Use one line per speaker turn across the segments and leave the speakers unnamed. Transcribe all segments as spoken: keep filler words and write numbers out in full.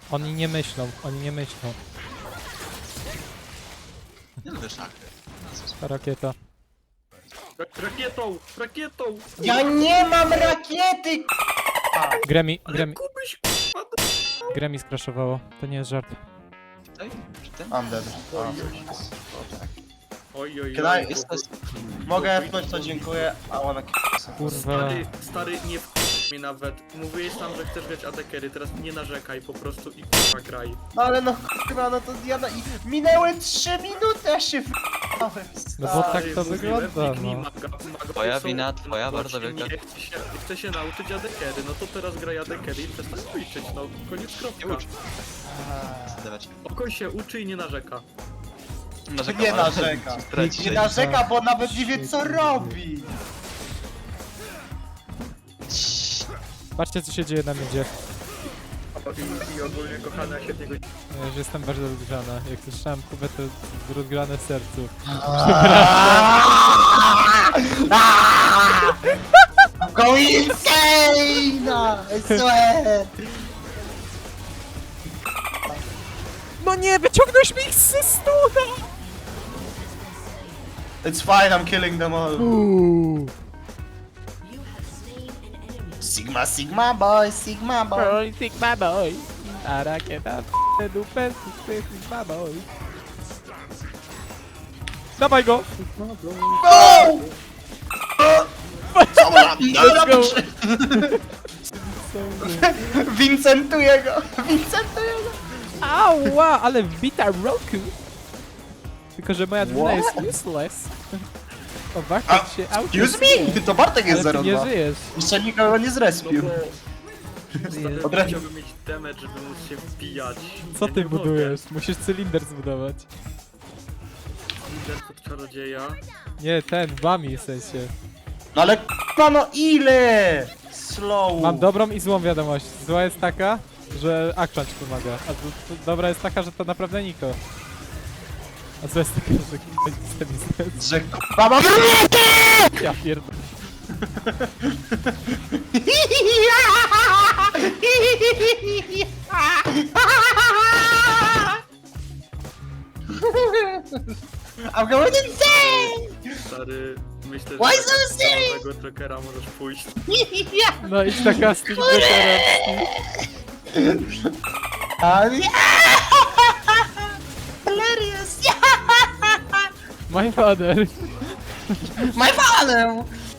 Oni nie myślą, oni nie myślą.
Nie lubię szachy.
Ta rakieta.
Rak rakietą! Rakietą!
Ja nie mam rakiety!
Gremi, Gremi,
Kubyś,
Gremi skraszowało. To nie jest żart.
Tutaj? Czy ty?
I'm dead.
Oj, oj,
Can
oj.
I-
Jest to...
Mogę F-nąć, to dziękuję. I wanna kill.
Kurwa.
Stary, stary, nie w mnie nawet. Mówiłeś tam, że chcesz grać A D carry, teraz nie narzekaj po prostu i k***a graj.
No ale no kurwa, no to ja na... i minęły trzy minuty, a się f***ałem.
No bo tak
Stary,
to
mówiłem,
wygląda,
kliknij
no.
maga- maga-
Twoja
są
wina, twoja
na
bardzo
boczki,
wielka.
nie chce się, chce się nauczyć A D carry, no to teraz graj A D carry i przestań ćwiczyć, no koniec
Nie
kropka.
ucz. Zdawać.
Oko się uczy i nie narzeka.
Narzekam,
Nie
ale
narzeka.
straci
Nie
się.
narzeka, bo nawet nie wie co robi.
Patrzcie co się dzieje na miedzie.
I, i ogólnie kochana się tego
Ja już jestem bardzo rozgrzana. Jak słyszałem Kubę, to rozgrane w sercu.
Go insane! I swear!
No nie, wyciągnąłeś mi ich ze stuna!
It's fine, I'm killing them all.
Uuu.
Sigma, Sigma boy, Sigma boy.
Boy, Sigma boy. A rakieta p***e dupę, Sigma boy. Dawaj go!
Go! Co mam?
Let's go!
Vincentuję go! Vincentuję go!
Ała, ale wbita Roku! Tylko, że moja drużyna
What?
jest useless. O,
A,
Bartek się auto.
Excuse me? To Bartek jest
Ale
zero
ty nie
dwa.
żyjesz.
Jeszcze nikogo nie
No
zrespił.
bo... Stary,
Od razu-
chciałbym mieć damage, żeby móc się wbijać.
Co
Ja
ty
nie mogę.
budujesz? Musisz cylinder zbudować.
Lider pod czarodzieja.
Nie, ten, wami w sensie.
No ale k***a, no ile? Slow.
Mam dobrą i złą wiadomość. Zła jest taka, że Action ci pomaga. A do, do, dobra jest taka, że to naprawdę Niko. A zła jest taka, że k***a nic nie
Że k***a mam rakietę!
Ja pierdolę.
I'm going insane!
Stary, myślę, że
Why
tak
so serious?
samego Jokera możesz pójść.
No idź na casting Jokera.
A nie! Hilarious!
My father.
My father!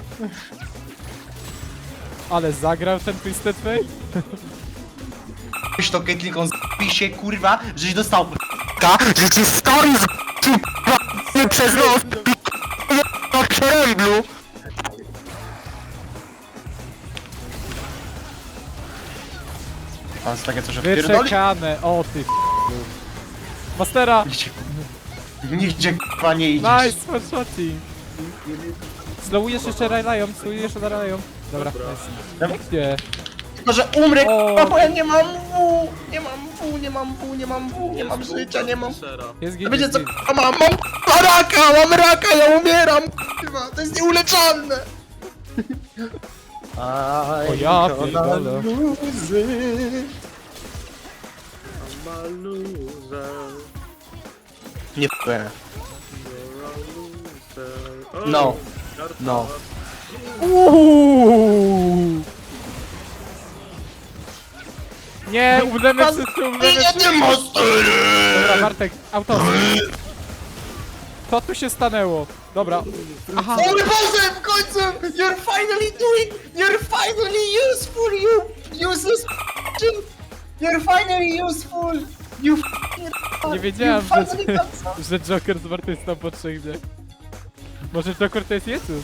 Ale zagrał ten Twisted Fate?
Weź to Caitlynką z***ij się kurwa, żeś dostał k***a, że ci stoi z k***a przez nos na przeręblu. Pan jest takie coś wpierdoli?
Wyczekane. O ty f***u. Mastera!
Nigdzie, nigdzie k***a nie idziesz.
Nice, one shotting. Slowujesz jeszcze Raylion, slowujesz jeszcze Raylion. Dobra,
Dobra.
nice. Gdzie?
Tylko, że umrę
O.
k***a, bo ja nie mam W, nie mam W, nie mam W, nie mam W, nie mam życia, nie mam...
Sera.
Jest
A
git,
wiecie
jest
co
git.
k***a mam? Mam k***a raka, mam raka, ja umieram k***a, to jest nieuleczalne.
O ja pierdolę.
Maluza.
Nie f***ę.
Oh,
No. No.
Uuuu. Nie, umrzemy wszyscy, umrzemy
Nie,
wszyscy.
nie ma stylu!
Dobra, Bartek, auto. Co tu się stanęło? Dobra. Aha.
O mój Boże, w końcu! You're finally doing... You're finally useful, you useless shit! You're finally useful! You f***ing...
Nie wiedziałem,
you finally
że,
got some-
że Joker zmartwychwstał po trzech dniach. Może Joker to jest Jezus?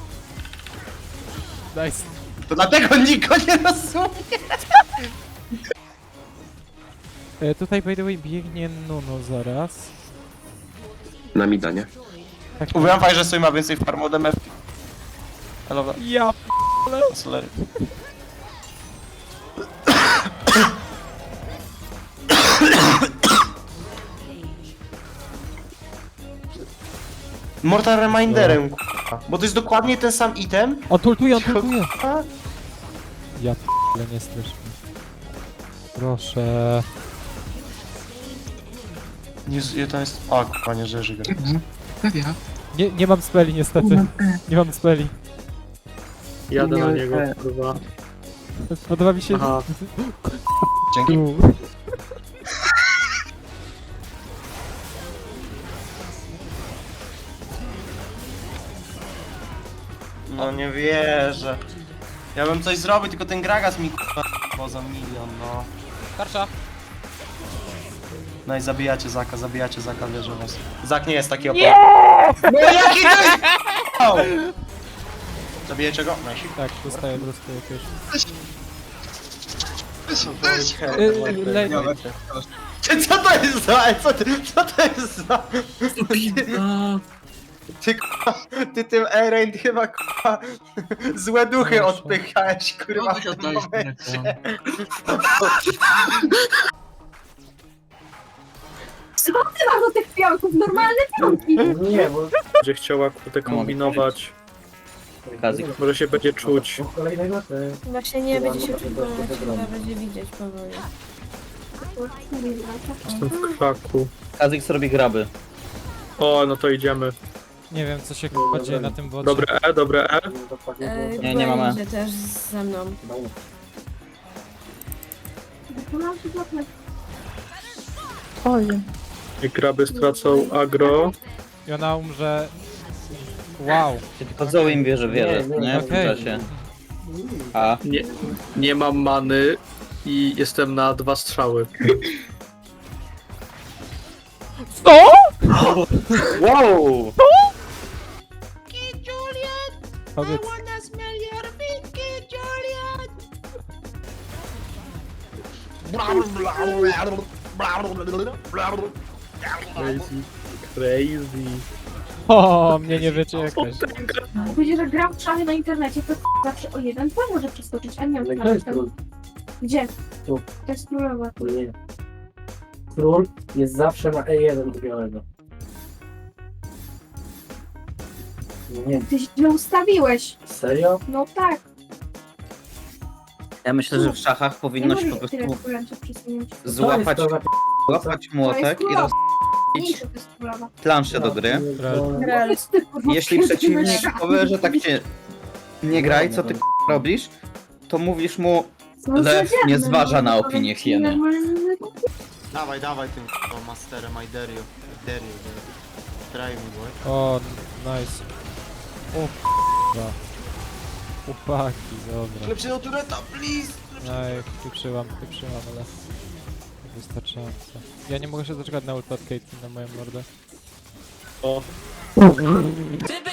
Nice.
To dlatego niko nie rozumie!
E, tutaj by the way biegnie Nuno zaraz.
Na mida, nie?
Tak,
Mówiłem fajnie, że sobie ma więcej farm od M F. Hello,
ja p***le.
sorry. Mortal Reminderem, k***a. Bo to jest dokładnie ten sam item.
On tultuje, on tultuje.
A?
Ja p***le, nie strasz mnie. Proszę.
Nie, to jest... A, panie Rzeży gra.
Nie, nie mam speli niestety. Nie mam speli.
Jadę na niego, kurwa.
Podoba mi się...
Aha.
Dzięki.
Tu.
No nie wierzę. Ja bym coś zrobił, tylko ten Gragas mi k***a poza milion, no.
Tarcza.
No i zabijacie Zaka, zabijacie Zaka, wierzę w was. Zak nie jest taki opał. No jaki to jest k***ał? Zabijecie go? Najsi.
Tak, dostaję po prostu jakieś...
Yy,
Yy, lej-
Ty, co to jest za... Co, ty, co to jest za... Ty k***a, ty tym Eren chyba k***a złe duchy odpychałeś kurwa w tym momencie.
Co ty masz do tych pionków? Normalne pionki!
Nie, bo...
Będzie chciała kurde kombinować.
Kazik.
Może się będzie czuć.
Właśnie nie będzie się przekonać, chyba będzie widzieć powoli.
Jestem w krzaku.
Kazik zrobi graby.
O, no to idziemy.
Nie wiem co się k***a dzieje na tym bocie.
Dobre E, dobre E.
E,
Nie, nie mamy.
Będzie też ze mną.
I kraby stracą agro.
I ona umrze... Wow.
Tylko Zoe im bierze wiele, nie? W
Okej.
czasie. A,
Nie, nie mam many i jestem na dwa strzały.
Co?!
wow!
Powiedz.
Crazy. Crazy.
O, mnie nie wiecie jakaś.
Jak będzie, że gram w szale na internecie, to zawsze o jeden pan może przeskoczyć, a nie wiem, tam. Gdzie?
Tu.
To jest królowa.
Nie. Król jest zawsze na E jeden u białego. Nie,
Ty źle ustawiłeś.
serio?
No tak.
Ja myślę, że w szachach
Nie
powinno się po
możesz tyle
prostu
królęców przesunięć.
złapać,
To jest to za
złapać młotek i
królowa.
roz...
Mniejsza to jest królowa.
planszę do gry.
Real. Ty, kurwa,
Jeśli
pierdolę
przeciwnik
szach.
powie, że tak cię nie graj, co ty k***a robisz, to mówisz mu,
No,
Lew
codziennie,
nie zważa
no,
na
to
opinię
jest
hieny.
normalny-
Dawaj, dawaj tym k***a masterem, I dare you. Dare you, dare you. Try me, boy.
O, nice. O k***a. Chłopaki, dobra.
Lepszy od tureta, please!
Aj, pieprzyłam, pieprzyłam, ale... Wystarczająco. Ja nie mogę się doczekać na ult od Caitlyn na moją mordę.
O.
Gdyby